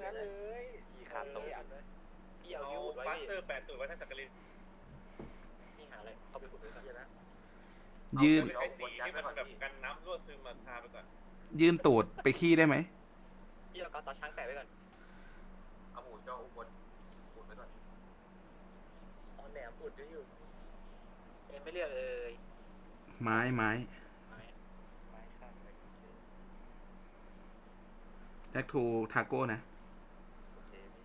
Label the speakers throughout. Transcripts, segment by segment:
Speaker 1: นั้นเลยขี่ขาดตรงพี่เอายูไว้พี่
Speaker 2: 8 ตัวไว้ท่านสักกลิน
Speaker 1: นี่หาอะไรเข้าไปขุดด้วยกันนะ
Speaker 3: ยืน
Speaker 2: ไอ้สีที่มันแบบกันน้ำรั่วซึมมาทาไปก่อน
Speaker 3: ยืนตูดไปขี้ได้ไหม
Speaker 1: พี่เอาตาช้างแปะไว้ก่อน
Speaker 4: เอาหมูเจ้าอุบลอุดไว้ก่อน
Speaker 1: ตอนแหนมอุดอยู่ไม่เรียกเลย
Speaker 3: ไม้
Speaker 1: ไม้ข้าง
Speaker 3: แท็กทูทาโก้นะ
Speaker 1: โอเคพี่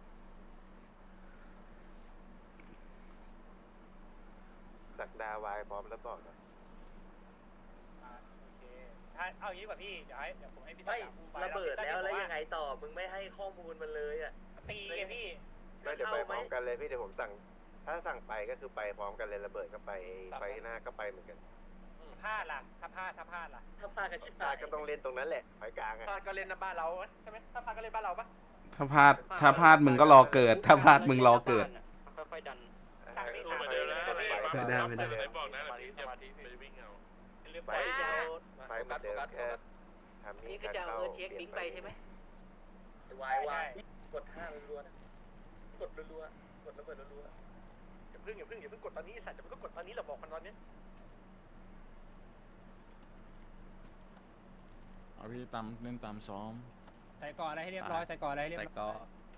Speaker 4: สักดาวายพร้อมแล้วบอกนะ
Speaker 2: โอเคเอางี้กว่าพี่เดี๋ยวผมให้พี่
Speaker 1: ไม่ระเบิดแล้วยังไงต่อมึงไม่ให้ข้อมูลมันเลยอ่ะ
Speaker 2: ตีไงพี่
Speaker 4: ก็จะไปพร้อมกันเลยพี่เดี๋ยวผมสั่งถ้าสั่งไปก็คือไปพร้อมกันเลยระเบิดก็ไปไฟหน้าก็ไปเหมือนกัน
Speaker 2: พลาดล่ะถ้าพลาดล่ะ
Speaker 1: ถ้าพลาดกันชิบ
Speaker 4: พลา
Speaker 1: หา
Speaker 4: ด
Speaker 1: ย
Speaker 4: ก็ต้องเล่นตรงนั้นแหละไฟกลางอะ
Speaker 2: พลาดก็เล่นบ้านเราใช่ไหมถ้าพลาดก็เล่นบ้านเราปะ
Speaker 3: ถ้าพลาดมึงก็รอเกิด ถ้าพลาดมึงรอเกิด
Speaker 1: ค่อยๆดัน
Speaker 2: สั่งนี่สั่งเลยนะ
Speaker 3: ไม่ได้
Speaker 2: บอกนะสมาธิไปวิ่งเอาเรื่อง
Speaker 4: ไฟ
Speaker 2: ไป
Speaker 4: เหมือนเดิมแค่ทำ
Speaker 1: นี่
Speaker 4: นี่
Speaker 1: ก็จะเอาเช็คลิงก์ไปใช่ไหมวายวายกด5รัวๆนะกดรัวๆกดระเบิดรัวๆอย่าเพิ่งกดตอนนี้สัตว์จะไม่ต้องกดตอนนี้เราบอกมันตอนนี้
Speaker 5: เอาพี่ตามเล่นตามซ้อม
Speaker 2: ใส่ก่อนอะไรให้เรียบร้อยใส่ก่อนอะไรให้เรียบ
Speaker 5: ใส่
Speaker 2: ร้อย
Speaker 5: ก็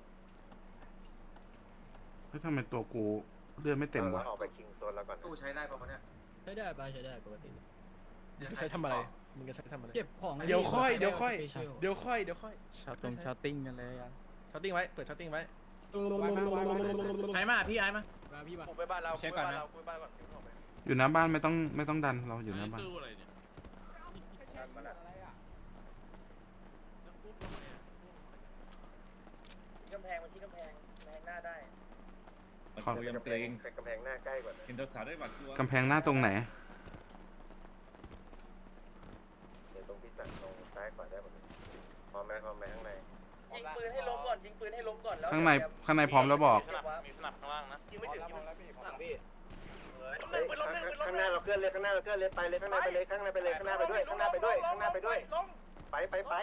Speaker 3: เฮ้ยทำไมตัวกูเลือดไม่เต็มวะ
Speaker 4: ออกไปคิงโซนแล้วก่อน
Speaker 6: ตู้ใช้ได้ป่ะเนี่ย
Speaker 7: ใช้ได้ปะใช้ได้ปกติ
Speaker 6: มึงจะใช้ทำอะไรมึงจะใช้ทำอะไร
Speaker 7: เก็บของ
Speaker 6: เดี๋ยวค่อย
Speaker 5: ชาติ้งกันเลยอ่ะ
Speaker 6: ช็อตติ้งไว้เปิดช็อตติ้งไว้
Speaker 7: ไอ้มาพี่ไอ้มาพี่มา
Speaker 2: กูไปบ้านเรา
Speaker 7: เช็คก่อนนะ
Speaker 2: กูไปบ้านก่อน
Speaker 3: อยู่หน้าบ้านไม่ต้องดันเราอยู่หน้าบ้าน
Speaker 5: ตู้อะไรเนี่ย
Speaker 1: กำแพงมันที่กำแพงหน้าได้
Speaker 3: ขอ
Speaker 4: กำแพงกำแพงหน้าใกล้กว่า
Speaker 5: เห็นตัวสาวได้บัตรตัว
Speaker 3: กำแพงหน้าตรงไหน
Speaker 4: เดี๋ยวตรงที่สั่งตรงซ้ายกว่าได้หมดเลยพร้อมไหมข้างใน
Speaker 1: ยิงปืนให้ล้มก่อนแล้ว
Speaker 3: ข้างในพร้อมแล้วบอก
Speaker 2: มีสนับข้างล่างนะ
Speaker 1: ยิงไม่ถึงหลังพี่
Speaker 4: ข้างหน้าเราเคลื่อนเลยไปเลยข้างหน้าไปเลยข้างหน้าไปเลยข้างหน้าไปด้วยข้างหน้าไปด้วยไป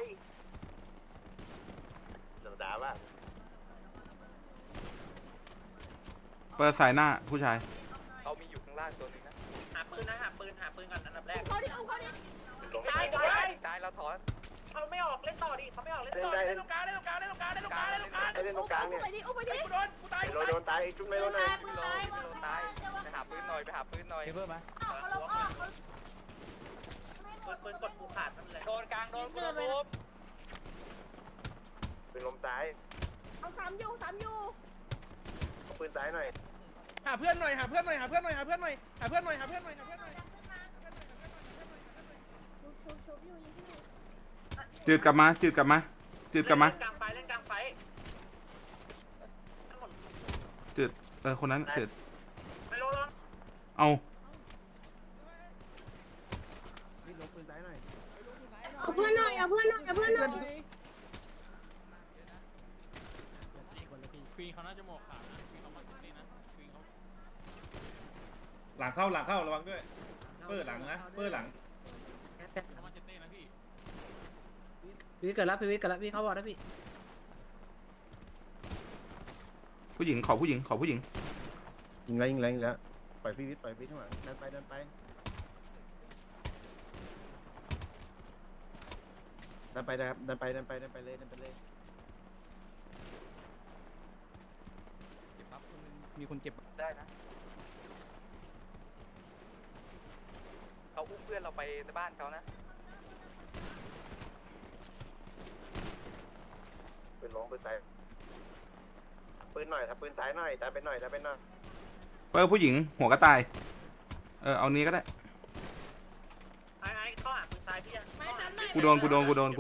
Speaker 4: เดี๋ยวด่าว่า
Speaker 3: เปิดสายหน้าผู้ชาย
Speaker 1: เขามีอยู่ข้างล่างตัวนึงนะหาปืนก่อนอันดับแรก
Speaker 4: ลงไป
Speaker 1: ตายเราถอน
Speaker 2: เขาไม่ออกเล่นต่อดิเขาไม่ออกเล่นต่อเล่นตรงกลางเนี่ย
Speaker 4: ให้เล่นตรงกลางเนี่ยโดนตายจุ๊บไม่โดนเลย
Speaker 1: ตายไปหาปืนหน่อย
Speaker 7: เพิ่มมา
Speaker 1: ปืนกดผูขาดนั่นแหละ
Speaker 2: โดนกลางโดนกูระบบ
Speaker 4: ปืนลมซ้ายเอาสามยูปืนซ้ายหน่อย
Speaker 6: หาเพื่อนหน่อย
Speaker 3: จืดกลับมา
Speaker 1: เล่นกลางไฟ
Speaker 3: จืดคนนั้นจืด
Speaker 1: ไม่ลง
Speaker 3: เอา
Speaker 4: ปืนซ้ายหน่อย
Speaker 8: เอาเพื่อนหน่อย
Speaker 5: ควีนเขาน่าจะหมวกขาวนะควีนเขามาซิตี้นะควีนเขา
Speaker 2: หลังเข้าระวังด้วยเปิดหลังนะเปิดหลัง
Speaker 5: เขามาซิตี้นะพี่
Speaker 7: พี่วิทย์เกิดแล้วพี่เข้าบอลแล้วพี่
Speaker 3: ผู้หญิงขอผู้หญิง
Speaker 4: ยิงแล้วปล่อยพี่วิทย์ข้างหลังเดินไปเก็บ
Speaker 5: ปั๊บมีคนเจ็บ
Speaker 1: ได้นะเขาอุ้มเพื่อนเราไปในบ้านเขานะ
Speaker 4: ปืนลงปืนซ้ายปืนหน่อยถ้าปืนซ้ายหน่อยตายไปหน่อย
Speaker 3: เปิดผู้หญิงหัวกระต่าย เอานี้ก็ได้
Speaker 1: ไอ้เข้าหาปืนซ้ายพี่ยัง
Speaker 3: กูโดน
Speaker 4: พี่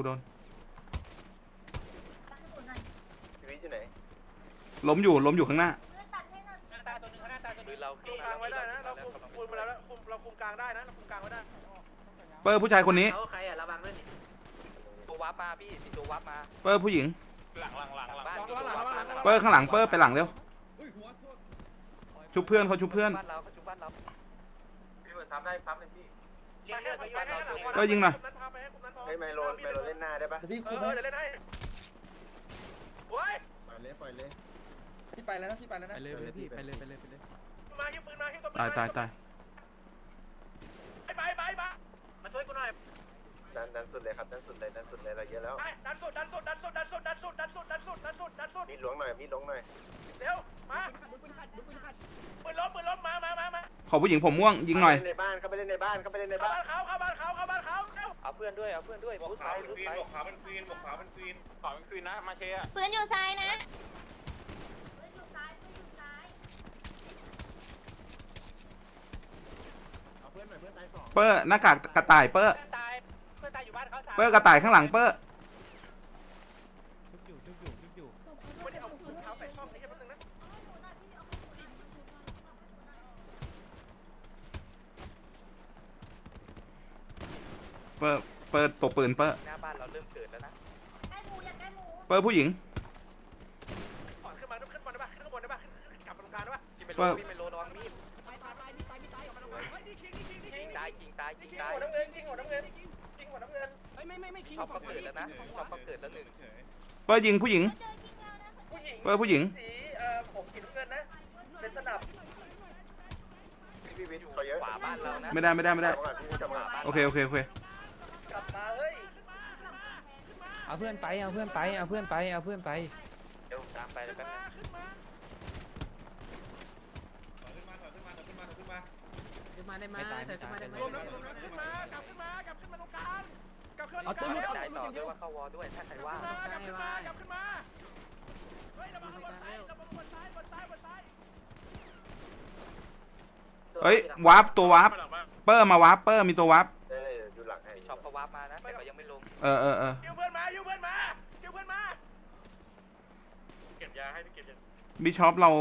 Speaker 4: วิทย์อยู่ไหน
Speaker 3: ล้มอยู่ข้างหน้า
Speaker 2: ตาตัวนึงหน้าตาตัวนึ
Speaker 1: ปื
Speaker 2: ง
Speaker 1: นเรา
Speaker 2: คุมกลางไว้ได้นะเราคุมไปแล้วเราคุมกลางได้นะเราคุมกลางไว้ได้
Speaker 3: เปิดผู้ชายคนนี้
Speaker 1: เขาใครอ่ะระวังด้วยนี่ตัววับมาพี่มีตัววับมา
Speaker 3: เปิดผู้หญิง
Speaker 2: หลัง
Speaker 1: บ้านมีตัววับมา
Speaker 3: เปิดข้างหลัง เปิดไปหลังเร็ว ชุบเพื่อนเขาชุบเพื่อน
Speaker 1: บ้านเราเขาชุบบ้านเรา
Speaker 4: พี่เปิดซ้ำได้ซ้ำเลยพี่
Speaker 3: เปิดยิงหน่อย
Speaker 4: ให้ไมโลเล่นหน้าได้ปะ
Speaker 7: พี่คุม
Speaker 2: เดี๋ยวเล่นให้
Speaker 1: โอ้
Speaker 6: พี่ไปแล้วนะพี่ไปแล้วนะ
Speaker 5: ไปเลยพี่ไปเลยไปเลยไปเลย
Speaker 1: มายิงปืนมายิงตัวปืน
Speaker 3: ตายตายตาย
Speaker 1: ไปมาช่วยกูหน่อย
Speaker 4: ดันสุดเลยครับดันสุดเลยเราเยอะแล้ว
Speaker 1: ไปดันสุด
Speaker 4: มีหลวงหน่อยมีหลวงหน่อย
Speaker 1: เร็วมาปืนล้มมา
Speaker 3: ขอผู้หญิงผมม่วงยิงหน่อย
Speaker 4: ในบ้านเข้าไปเล่นในบ้านเข้าไปเล่นใน
Speaker 1: เข้า
Speaker 4: บ้าน
Speaker 1: บ้านเขาเร็ว
Speaker 2: เอาเพื่อนด้วยบอกขาวเป็นควีนบอกขาว
Speaker 1: ขวาเป็นควีนนะมาเชียร์
Speaker 8: ปืนอยู่ซ้ายนะ
Speaker 3: เปอร์หน้ากากกระต่ายเปอร์
Speaker 2: เพื่อนตายอยู่บ้านเขาสาม
Speaker 3: เปอร์กระต่ายข้างหลังเปอร์
Speaker 1: ไม่ได้เอาถุงเท้าใส่ช่องนี้แค่นึงนะ
Speaker 3: เปอร์เปอร์ตบปืนเปอร์
Speaker 1: หน้าบ้านเราเริ่มเกิดแล้วนะ
Speaker 3: เปอร์ผู้หญิง
Speaker 1: ถอนขึ้นมาขึ้นบนได้ป่ะขึ้นข้างบนได้ป่ะกลับตรงกลางได้ป่ะกินไปโลระวังมีดยิงตายยิงหัวน้ำเงินยิงหัวน้ำเงิน
Speaker 5: ไม่คิง
Speaker 1: ชอบเขาเกิดแล้วนะชอบเขาเกิดแล้วหนึ่ง
Speaker 3: เปอร์ยิงผู้หญิง เปอร์ผู้หญิง
Speaker 1: สีผมสีน้ำเงินนะเป็นสนับ
Speaker 4: พี่วิทย์เขาเยอะ
Speaker 1: ขวาบ้านเรานะ
Speaker 3: ไม่ได้
Speaker 4: พี่จะมา
Speaker 3: โอเค
Speaker 1: กลับมาเฮ้ย
Speaker 5: เอาเพื่อนไปเอาเพื่อนไปเอาเพื่อนไปเอาเพื่อนไป
Speaker 1: เดี๋ยวตามไปเลยแป๊บนึง
Speaker 5: ไม่ตายไม่ตาย
Speaker 6: รวมแล้วขึ้นมากลับขึ้นมตรงกลางกลับขึ้นมาตรงกลาง
Speaker 1: ได้ต่อด้วยว่าเข้าวอด้วยถ้าใครว่าง
Speaker 6: กลับขึ้นมาเฮ้ยเรามาบนซ้าย
Speaker 3: เฮ้ยวาร์ปตัววาร์ปเปอร์มาวาร์ปเปอร์มีตัววาร์ป
Speaker 4: ได้อยู่หลังให้
Speaker 1: พี่ช็อปเขาวาร์ปมานะแต่เขายังไม่ลง
Speaker 3: เออ
Speaker 1: ยิวเพื่อนมาเก็บยาให้พี่เก็บยา
Speaker 3: บิชอปเรา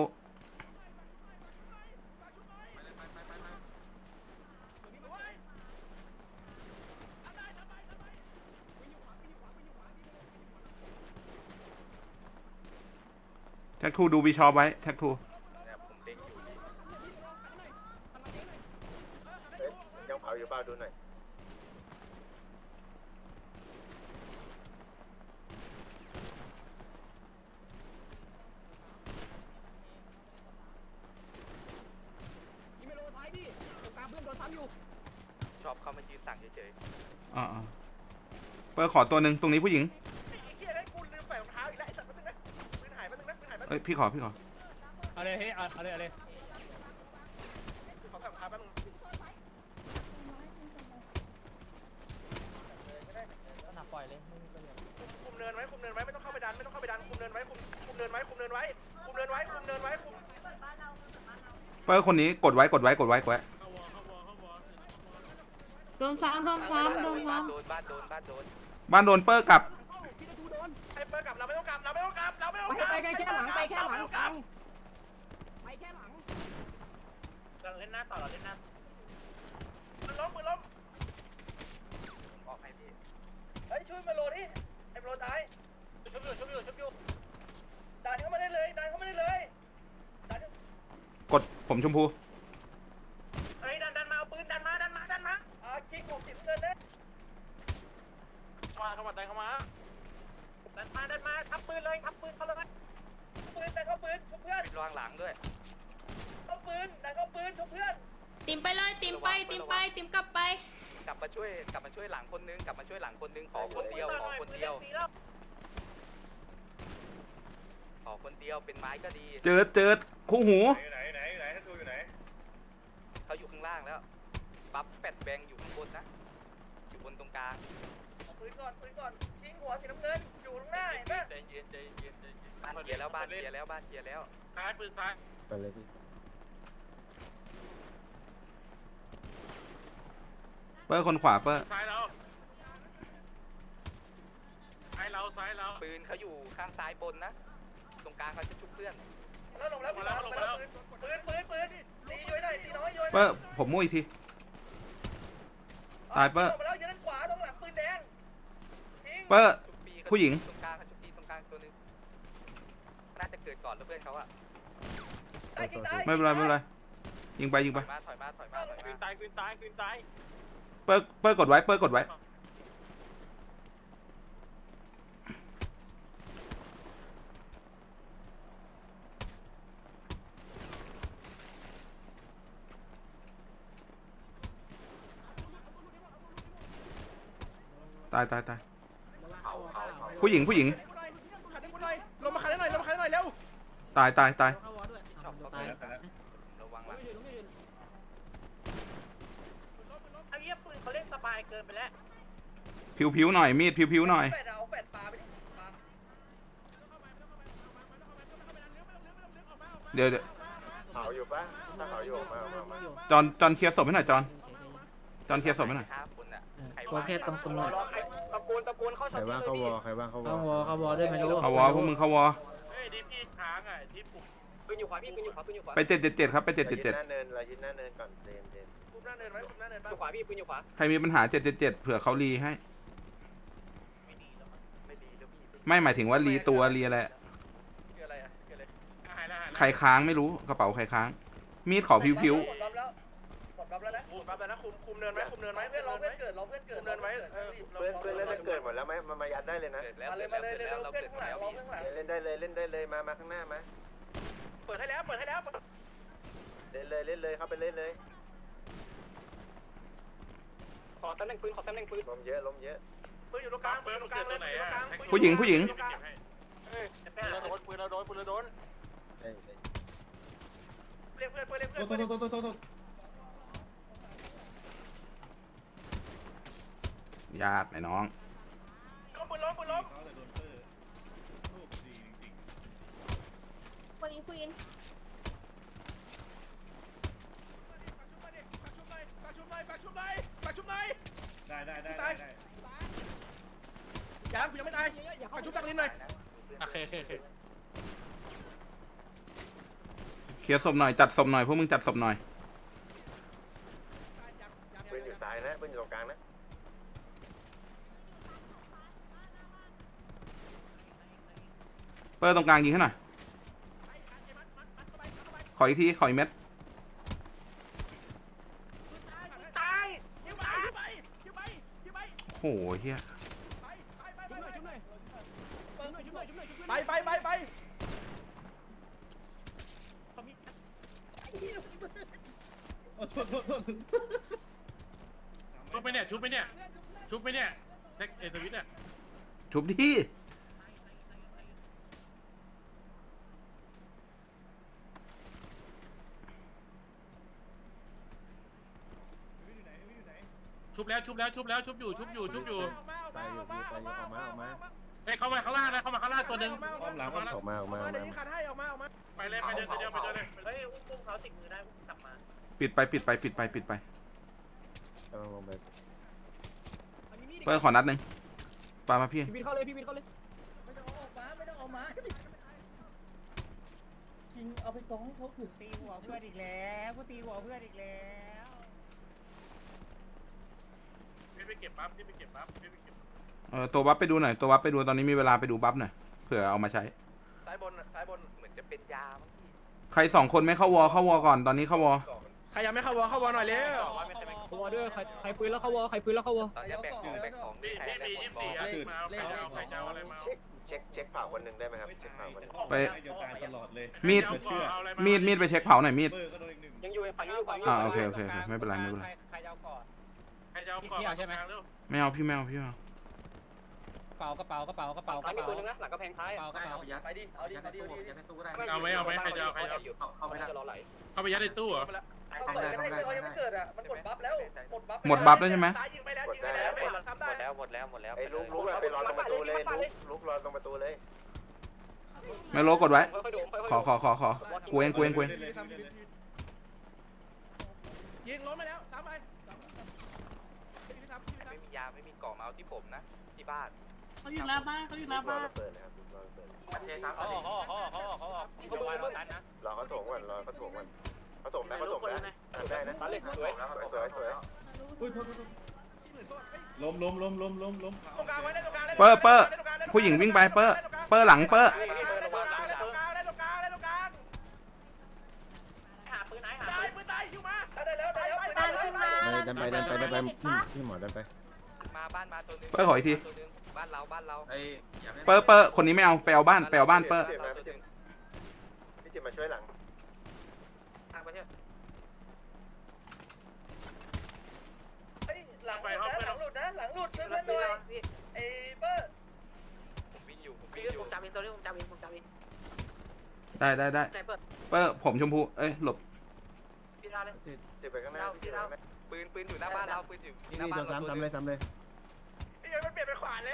Speaker 3: แท็กทูดูบิชอปไว้แท็กทู
Speaker 1: เนี่ยผมเด็กอยู่
Speaker 4: ยังเผาอยู่เปล่าดูหน่อย
Speaker 1: ชอบเขามายืนสั่งเฉย
Speaker 3: อ่าเปอร์ขอตัวหนึ่งตรงนี้ผู้หญิง
Speaker 1: ๆไอ้เหี้ยได้กูลืมใส่รองเท้าอีกแล้วไอ้สัตว์มาตึงนะปืนหายมาตึงนะปืนหายมา
Speaker 3: เอ้ยพี่ขอ
Speaker 2: เอาเลยเฮ้ยเอาเลย
Speaker 1: ขอใส่รองเท้าแป๊บนึงคุมเนินไว้ไม่ต้องเข้าไปดันคุมเนินไว้คุมเนินไว้
Speaker 3: เปอร์คนนี้กดไว้
Speaker 5: เข้าวอ
Speaker 8: โดนซ้ำ
Speaker 1: โดนบ้านโดน
Speaker 3: บ้านโดนเปอร์กลับ
Speaker 1: ไอ้เปิดกลับเราไม่ต้องกลับ
Speaker 6: ไปแค่หลังกลาง
Speaker 2: เราเล่นหน้าต่อเราเล่นหน้า
Speaker 1: ปืนล้มออกให้พี่เฮ้ยช่วยมาโลดิไอ้โลตายชุบอยู่ดันเข้ามาได้เลย
Speaker 3: กดผมชมพู
Speaker 1: เฮ้ยดันมาเอาปืนดันมาคิกผมสิบเงินเลยเข้ามาดันมาทับปืนเขาเลยปืนแต่เขาปืนชุบเพื่อนระวังหลังด้วยเขาปืนแต่เขาปืนชุบเพื่อน
Speaker 8: ติมไปเลยติมกลับไป
Speaker 1: กลับมาช่วยหลังคนนึงขอคนเดียวเป็นไม้ก็ดี
Speaker 3: เจอคู่หู
Speaker 1: ไหนท่านดูอยู่ไหนเขาอยู่ข้างล่างแล้วบัฟแปดแบงอยู่ข้างบนนะอยู่บนตรงกลางปืนก่อนทิ้งหัวสีน้ำเงินอยู่ตรงหน้าเห็นปะใจเย็นบ้านเคลียร์แล้วซ้ายปืนซ้าย
Speaker 4: ไปเลยพี่
Speaker 3: เปอร์คนขวาเปอร์
Speaker 1: ซ้ายเราปืนเขาอยู่ข้างซ้ายบนนะตรงกลางเขาจะชุบเพื่อนลงแล้วปืนตีย้อยหน่อยตีน้อยย้อย
Speaker 3: เปอร์ผมมั่วอีกทีตายเปอร์
Speaker 1: แล้วยืนขวาตรงหลังปืนแดง
Speaker 3: เปอร์ผู้หญิง
Speaker 1: ตรงกลางเขาชุบปีตรงกลางตัวนึงน่าจะเกิดก่อนแล้วเพื่อนเขาอะ
Speaker 3: ไม่เป็นไรยิงไป
Speaker 1: ถอยมาคืนตาย
Speaker 3: เปอร์กดไว้
Speaker 1: เ
Speaker 3: ายผู้หญิง
Speaker 6: ขัดให้กูหน่อยลงมาขัดให้หน่อยลงมาขัดให้หน่อยเร็ว
Speaker 3: ตาย
Speaker 7: เข้าวอด้วย
Speaker 1: ตายระวังหลัง
Speaker 2: ไอ้เหี้ยปืนเขาเล่นสบายเกินไปแล้ว
Speaker 3: ผิวหน่อยมีดผิวหน่อย
Speaker 1: แปดเอาแปดปลาไปดิปลา
Speaker 3: เดี๋ยว
Speaker 4: เผาอยู่ปะถ้าเผาอยู่ออกมา
Speaker 3: จอนเคลียร์ศพให้หน่อยจอนเคลียร์ศพให้หน่อย
Speaker 1: ฆ่าคนอ่ะใคร
Speaker 7: ขอแค่ตรงตรงหน่อย
Speaker 2: ตะโกนเข้า
Speaker 4: ใครบ้างเขาวอใครบ้างเขาวอ
Speaker 7: เข้าวอด้วยไม่รู้
Speaker 3: เขาวอพวกมึงเขาวอ
Speaker 2: เฮ้ยดิพี่ค้างอ่ะที่ปุ่ม
Speaker 1: ปืนอยู่ขวาพี่ปืนอยู่ขวาปืนอยู่ขวา
Speaker 3: ไป777ครับไป
Speaker 4: เรายึดหน้าเนินเรายึดหน้าเนินก่อนเดน
Speaker 1: คุมหน้าเนินไว้คุมหน้าเนินอยู่ขวาพี่ปืนอยู่ขวา
Speaker 3: 777ใครมีปัญหา777เผื่อเขารีให้
Speaker 1: ไม่ดีแล้วพี่
Speaker 3: ไม่หมายถึงว่ารีตัวรีอะไร
Speaker 1: คืออะไรอ่ะคืออะไร
Speaker 3: ใครค้างไม่รู้กระเป๋าใครค้าง มีดขอผิว
Speaker 1: หมดรับแล้วหมดรับแล้วนะหมดรับแล้วนะคุมเนินไว้คุมเนินไว้เพื่อนเราเพื่อนเกิดเราเพื่อนเกิดเนินไว้
Speaker 4: เพื่อนเล่นเกิดหมดแล้วไหมมายัดได้เลยนะ
Speaker 1: มาเลยเราเพื่อนข้างหลังเราเพื่อนข้างหลัง
Speaker 4: เล่นได้เลยมาข้างหน้ามา
Speaker 2: เปิดให้แล้ว
Speaker 4: เล่นเลยเข้าไปเล่นเลย
Speaker 1: ขอตำแหน่งปืน
Speaker 4: ลมเยอะ
Speaker 2: ปืนอยู่ตรงกลางปืนอยู่ตรงกลางไหนอ่ะ
Speaker 3: ผู้หญิง
Speaker 2: ปืนเราโดนเรียกเพื่อน
Speaker 3: ยากไอ้น้อง
Speaker 2: ปืนล้ม
Speaker 8: วันนี้คุยกัน
Speaker 6: ฝากชุบหน่อยยังกูยังไม่ตายฝากชุบตักลิ้นหน่อย
Speaker 5: โอเค
Speaker 3: เคลียร์ศพหน่อยจัดศพหน่อยพวกมึงจัดศพหน่อย
Speaker 4: ปืนอยู่ซ้ายนะปืนอยู่ตรงกลางนะ
Speaker 3: เปิดตรงกลางยิงให้หน่อยขออีกเม็ด
Speaker 6: ตายยิงไป
Speaker 3: โอ้โหเฮีย
Speaker 6: ไป
Speaker 5: ชุบไปเนี่ยเทคเอทวิตเนี่ย
Speaker 3: ชุบที่
Speaker 5: ชุบอยู่
Speaker 4: ไปอยู่ออกมา
Speaker 5: เฮ้ยเข้ามาข้างล่างนะเข้ามาข้างล่างตัวหนึ่ง
Speaker 4: ออกมา
Speaker 6: เดี๋ยวนี้ขัดให้ออกมา
Speaker 5: ไปเลยไปเดินเลย
Speaker 2: เฮ้ยอุ้มเขาติดมือได้อุ้มกลับมา
Speaker 3: ปิดไป
Speaker 4: กำลังลงไป
Speaker 3: เปิดขอนัดหนึ่งปามาพี่
Speaker 7: พี่วินเข้าเลย
Speaker 1: ไม่ต้องออกมายิงเอาไปกองให้เขาถือ
Speaker 2: ตีหัวเพื่อนอีกแล้วกูตีหัวเพื่อนอีกแล้ว
Speaker 5: ไปเก็บปั๊บ
Speaker 3: ตัวบัฟไปดูหน่อยตัวบัฟไปดูตอนนี้มีเวลาไปดูบัฟหน่อยเผื่อเอามาใช้
Speaker 1: ซ้ายบนเหมือนจะเป็นยา
Speaker 3: ใคร2คนไม่เข้าวอก่อนตอนนี้เข้าวอ
Speaker 6: ใครยังไม่เข้าวอหน่อยเร็ว
Speaker 7: เข้าวอด้วยใครปืนแล้วเข้าวอ
Speaker 1: ตอนนี้แบกของ
Speaker 5: พี่มี24อ่ะมาเอาใครจะเอาอะไรมา
Speaker 4: เช็คเผาคนหนึ่งได้ไหมครับเช็คเผาคนหนึ่ง
Speaker 3: ไปมีดไปเช็คเผาหน่อยมีด
Speaker 1: ยังอยู่ฝั่งนี้อยู่ฝั่งนี้
Speaker 3: โอเคไม่เป็นไร
Speaker 2: ใครจะเอาก่อน
Speaker 5: ใครจะเอาก่อนใช่ไหม
Speaker 3: ไม่เอาพี่ไม่เอา
Speaker 7: กระเป๋า
Speaker 1: มีตัวนึงนะหลังกระแพงท้าย ไปดิเอาดิ
Speaker 5: เอาไหมใครจะเอาเข้าไปยัดในตู้เหรอ
Speaker 1: เขายังไม่เกิดอ่ะมันหมดบัฟแล้ว
Speaker 3: หมดบัฟแล้วใช่ไหม
Speaker 2: ตายยิงไปแล้ว
Speaker 1: หมดแล้ว
Speaker 4: ไอ้ลุกไปรอตรงประตูเลยลุกรอตรงประตูเลย
Speaker 3: ไม่รู้กดไว้ขอกูเอง
Speaker 6: ยิงล้มไปแล้วซ้ำไป
Speaker 1: ไม่มียาไม่มีกล่องมาเอาที่ผมนะที่บ้าน
Speaker 8: เขาอยู่หน้าบ้าน
Speaker 4: รอเปิดนะครับรอเปิด
Speaker 2: เขาออก
Speaker 4: รอเขาโถงก่อนเขาโถงนะได้นะสวย
Speaker 6: ล้ม
Speaker 3: เปอร์ผู้หญิงวิ่งไปเปอร์หลังเปอร์
Speaker 2: หาปืนไหนหาปืน
Speaker 6: ตายอยู่มา
Speaker 1: ได้แล้ว
Speaker 8: ดันขึ้นมา
Speaker 4: ดันไปพี่หมอดันไป
Speaker 1: มาบ้านมาตัวนึง
Speaker 3: เปอร์ขออีกที
Speaker 1: บ้านเรา
Speaker 3: เปอร์คนนี้ไม่เอาไปเอาบ้านเปอร์
Speaker 4: พี่จิมมาช่วยหลัง
Speaker 1: ทางประเทศหลังหลุดเพื่อนด้วยไอ้เปิ้ลผมวิ่งอยู่ผมจำเองตัวนี้ผมจำเอง
Speaker 3: ได้เปอร์ผมชมพูเอ้ยหลบ
Speaker 1: พี่ท่าเลย
Speaker 4: เจ็บไปข้างหน้าพี่เท่า
Speaker 1: ปืนอยู่หน้าบ้านเราปืนอยู่
Speaker 6: นี่โดนซ้ำเลยซ้ำเลย
Speaker 2: พี่มันเปลี่ยนไปขวาเลย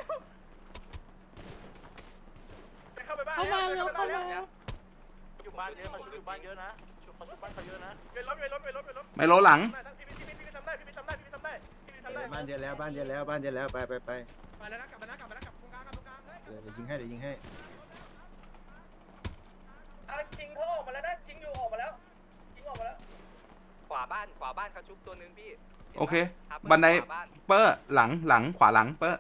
Speaker 2: ไปเข้าไปบ้าน
Speaker 8: เข้ามาเร็วเข้ามา
Speaker 2: อยู่บ้านเยอะมันอยู่บ้านเยอะนะชุบบ้านเขาเยอะนะไปล้ม
Speaker 3: ไมโลหลัง
Speaker 2: พี่ทำได้
Speaker 6: บ้านเดียวแล้วไป
Speaker 2: ไปแล้วนะกลับมานะกลับตรงกลางเฮ้ย
Speaker 6: เดี๋ยวยิงให้
Speaker 1: ชิงเขาออกมาแล้วนะชิงอยู่ออกมาแล้วขวาบ้านเขาชุบตัวนึงพี่
Speaker 3: โอเค บันไดเปอร์หลังขวาหลังเปอร์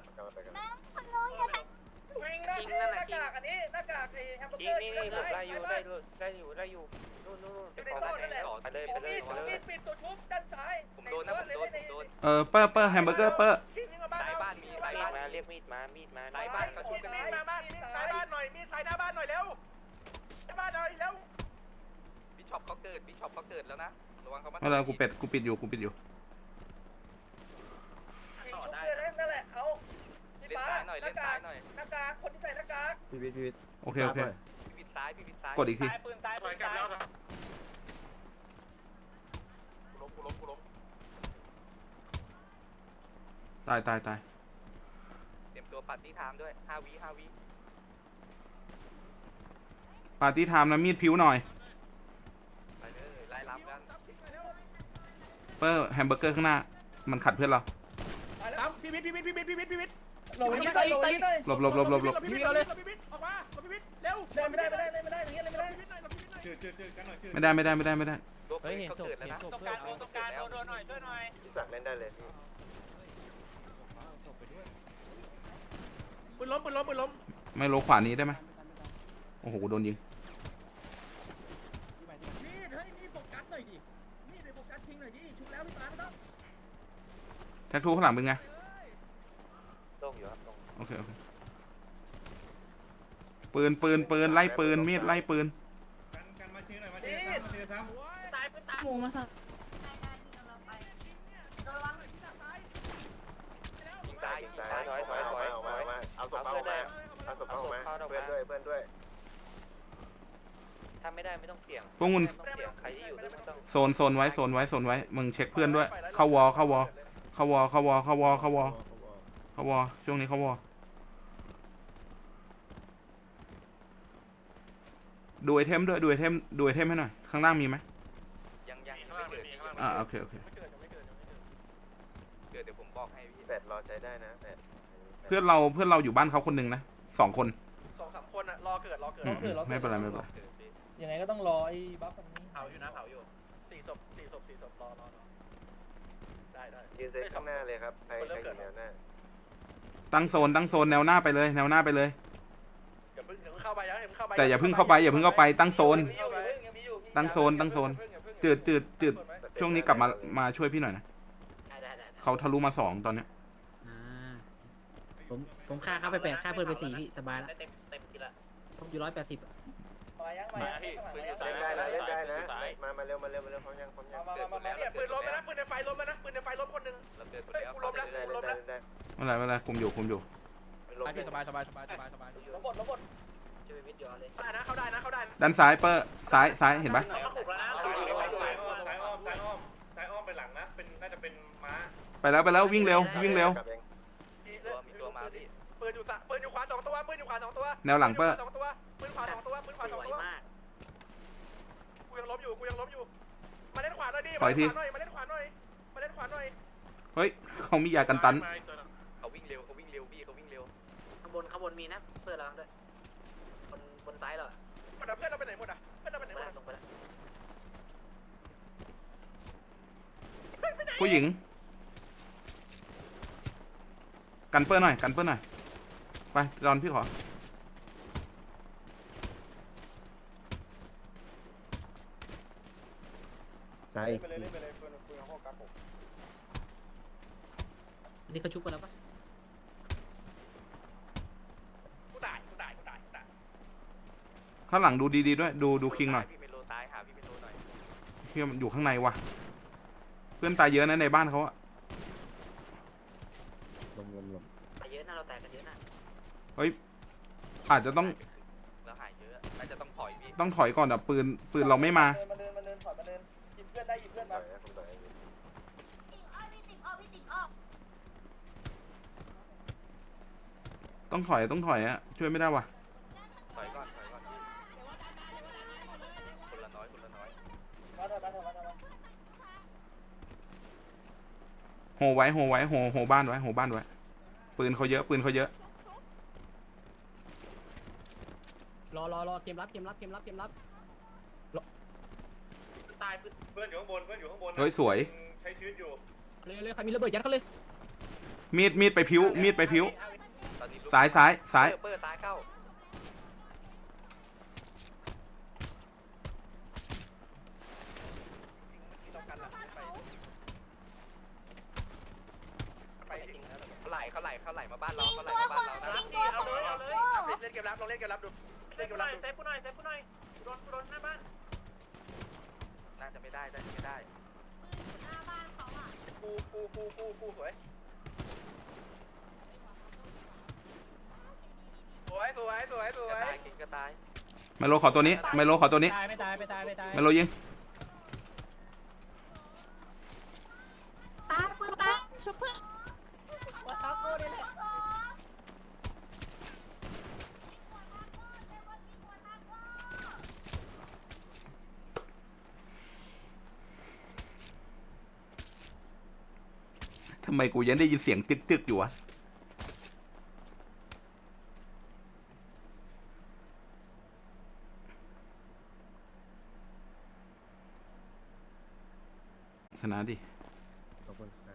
Speaker 1: วิ่งนะหน้ากากอันนี้หน้ากากไอ้แฮมเบอร์เกอร์นี่ได้อยู่นู่นไปเลยปิดตัวชุบด้านซ้ายผมโดน
Speaker 3: เปอร์แฮมเบอร์เกอร์เปอร์
Speaker 1: สายบ้านมีสายบ้านมาเรียกมีดมาสายบ้านเขาชุบกัน
Speaker 2: มีดมาบ้านมีสายบ้านหน่อยมีสายหน้าบ้านหน่อยเร็วหน้าบ้านหน่อยเร็ว
Speaker 1: บิชอปเขาเกิดแล้วนะระวังเขามา
Speaker 3: ไม่เป็นไรกูปิดอยู่
Speaker 1: ชุบเลยนั่นแหละเอาเล่นซ้ายหน่อยหน้ากากคนที่ใส่หน้ากาก
Speaker 6: พี่วิทย์
Speaker 3: โอเค
Speaker 1: พี่ปิดซ้าย
Speaker 3: กดอีกที
Speaker 2: ปืนตาย
Speaker 5: ถอยกลับแล้วครับ
Speaker 2: กูล้ม
Speaker 3: ตาย
Speaker 1: เตรียมตัวปาร์ตี้ไทม์ด้วย5 วิ
Speaker 3: ปาร์ตี้ไทม์นะมีดผิวหน่อย
Speaker 1: ไปเลยไล่รับกัน
Speaker 3: เปอร์แฮมเบอร์เกอร์ข้างหน้ามันขัดเพื่อนเรา
Speaker 6: พี่วิทย์
Speaker 7: หลบอีกหน่อย
Speaker 3: หลบ
Speaker 6: พี่วิทย์ออกมาพี่วิทย์เร็ว
Speaker 7: ไม่ได้อย่างเงี้ยเลยไม่ได้
Speaker 3: ไม่ได้
Speaker 1: เฮ้ยเห็นศพแล้วนะ
Speaker 2: ตรงกลางโดนหน่อยช่วยหน่อย
Speaker 4: พี่สักเล่นได้เลยพี่
Speaker 6: ปืนล้ม
Speaker 3: ไม่โลขวานี้ได้ไหมโอ้โหโดนยิง
Speaker 7: นี่โฟกัสหน่อยดินี่โฟกัสทิ้งหน่อยดิชุบแล้วพี่ตาไม่ต้อง
Speaker 3: แท็กทูข้างหลังเป็นไง
Speaker 1: ต้องอยู่ครับ
Speaker 3: โอเคปืนไล่ปืนมีดไล่ปืน
Speaker 5: กันมาชี้หน่อยมาชี้ซ้ำ
Speaker 2: ตายปืนตาย
Speaker 8: หมูมาสับ
Speaker 1: ยิงซ้ายถอย
Speaker 4: เอาศพเขาออกมาเพื่อนด้วย
Speaker 1: ถ้าไม่ได้ไม่ต้องเสี่ยง
Speaker 3: พวกมึง
Speaker 1: ใครที่อยู่ด้วยไม่ต้อง
Speaker 3: โซนไว้มึงเช็คเพื่อนด้วย เข้าวอช่วงนี้เข้าวอดูไอเทมด้วยดูไอเทมให้หน่อยข้างล่างมีไหม
Speaker 1: ยังไม่เกิด
Speaker 3: โอเค
Speaker 1: เกิดเดี๋ยวผมบอกให้พี่
Speaker 4: แปดรอใจได้นะแปด
Speaker 3: เพื่อนเราอยู่บ้านเขาคนหนึ่งนะ2 คน
Speaker 2: 2-3 คนอะรอเกิด
Speaker 3: ไม่เป็นไร
Speaker 7: ยังไงก็ต้องรอไอ้บัฟอันนี้
Speaker 2: เผาอยู่4 ศพรอได้
Speaker 4: ยืนเซตข้างหน้าเลยครับใครอยู่แนวหน้า
Speaker 3: ตั้งโซนแนวหน้าไปเลย
Speaker 2: อย่าเพิ่งเข้าไป
Speaker 3: แต่อย่าเพิ่งเข้าไปตั้งโซนจืดช่วงนี้กลับมาช่วยพี่หน่อยนะเขาทะลุมา2ตอนเนี้ย
Speaker 7: ผมฆ่าเขาไป8ฆ่าเพื่อนไป4พี่สบายแล้ว
Speaker 2: เต็มทีละ
Speaker 7: ผมอยู่180
Speaker 2: มาพี่ปืนอยู่
Speaker 4: เล่นได้นะมาเร็วพร้อมยัง
Speaker 2: เนี่ยปืนล้มนะปืนในไฟล้มนะปืนในไฟล้มคนนึง
Speaker 1: เราเกิดหมด
Speaker 2: เฮ้ย
Speaker 1: แล้ว
Speaker 2: กูล้มแล้ว
Speaker 3: ไม่เป็นไรคุมอยู่
Speaker 6: พี่สบาย
Speaker 2: ล้มหมดช่วยวิทย์ย้อนเลยเข้าได้นะ
Speaker 3: ด้านซ้ายเปอร์ซ้ายเห็นปะ
Speaker 2: เขาถูกแล้วนะ
Speaker 5: ซ้ายอ้อมไปหลังนะน่าจะเป็นม้า
Speaker 3: ไปแล้ววิ่งเร็ว
Speaker 1: มีตัวมาพี่
Speaker 2: ปืนอยู่ขวา2 ตัว
Speaker 3: แนวหลังเปอร์
Speaker 2: ปืนขวา2 ตัวกูยังล้มอยู่มาเล่นขวาหน่อยดิมาเล่นขวาหน่อย
Speaker 3: เฮ้ยเขามียากันตัน
Speaker 1: เขาวิ่งเร็วพี่เขาวิ่งเร็ว
Speaker 2: ข้างบนมีนะเพื่อนเราด้วยบนซ้ายเหรอเพื่อนเราไปไหนหมดอ่ะลงไปแล้ว
Speaker 3: ผู้หญิงกันเปอร์หน่อยไปรอนพี่ขอ
Speaker 6: ซ้าย
Speaker 7: นี่เขาชุบกันแล้วปะ
Speaker 2: กูตาย
Speaker 3: ข้างหลังดูดีๆด้วยดูคิงหน่อย
Speaker 1: พี่เมโลตายหาพี่เมโลหน่อย
Speaker 3: พี่มันอยู่ข้างในว่ะเพื่อนตายเยอะนะในบ้านเขาอะ
Speaker 6: ลง
Speaker 2: ไปเยอะนะเราแตกกันเยอะนะ
Speaker 3: เฮ้ยอาจจะต้อง
Speaker 1: แล้วหายเยอะน่าจะต้องถอยพี่
Speaker 3: ต้องถอยก่อนอ่ะปืนเราไม่มา
Speaker 6: มาเดินถอยมาเดินหยิบเพื่อนได้หยิบเพื่อนมา
Speaker 3: ต้องถอยอ่ะช่วยไม่ได้ว่ะ
Speaker 1: ถอยก่อนพี่คนละน้อย
Speaker 6: มาเถอะ
Speaker 3: โหไว้โหบ้านไว้ปืนเขาเยอะ
Speaker 7: รอเกมรับ
Speaker 2: ตาย
Speaker 4: เพื่อนอยู่ข้างบน
Speaker 3: เฮ้ยสวย
Speaker 4: ใช้ชีวิตอยู่
Speaker 7: เลยใครมีระเบิดยัดเขาเลย
Speaker 3: มีดไปพิ้ว
Speaker 1: ตอนนี้ลูก
Speaker 3: ซ้าย
Speaker 1: เปิดซ้ายเข้าไปเขาไหลมาบ้านเรานะ
Speaker 2: เล่นเกมรับเราเล่นเกมรับดูเล่นเกมรับเซฟกูหน่อยโดนหน้าบ้าน
Speaker 1: น่าจะไม่ได้ปูสวยกินก็ตาย
Speaker 3: ไมโลขอตัวนี้
Speaker 7: ไม่ตาย
Speaker 3: ไมโลยิง
Speaker 8: ตายปืนตายชุบเพื่อน
Speaker 3: ทำไมกูยังได้ยินเสียงจึกอยู่วะชนะดิ
Speaker 4: ขอบคุณ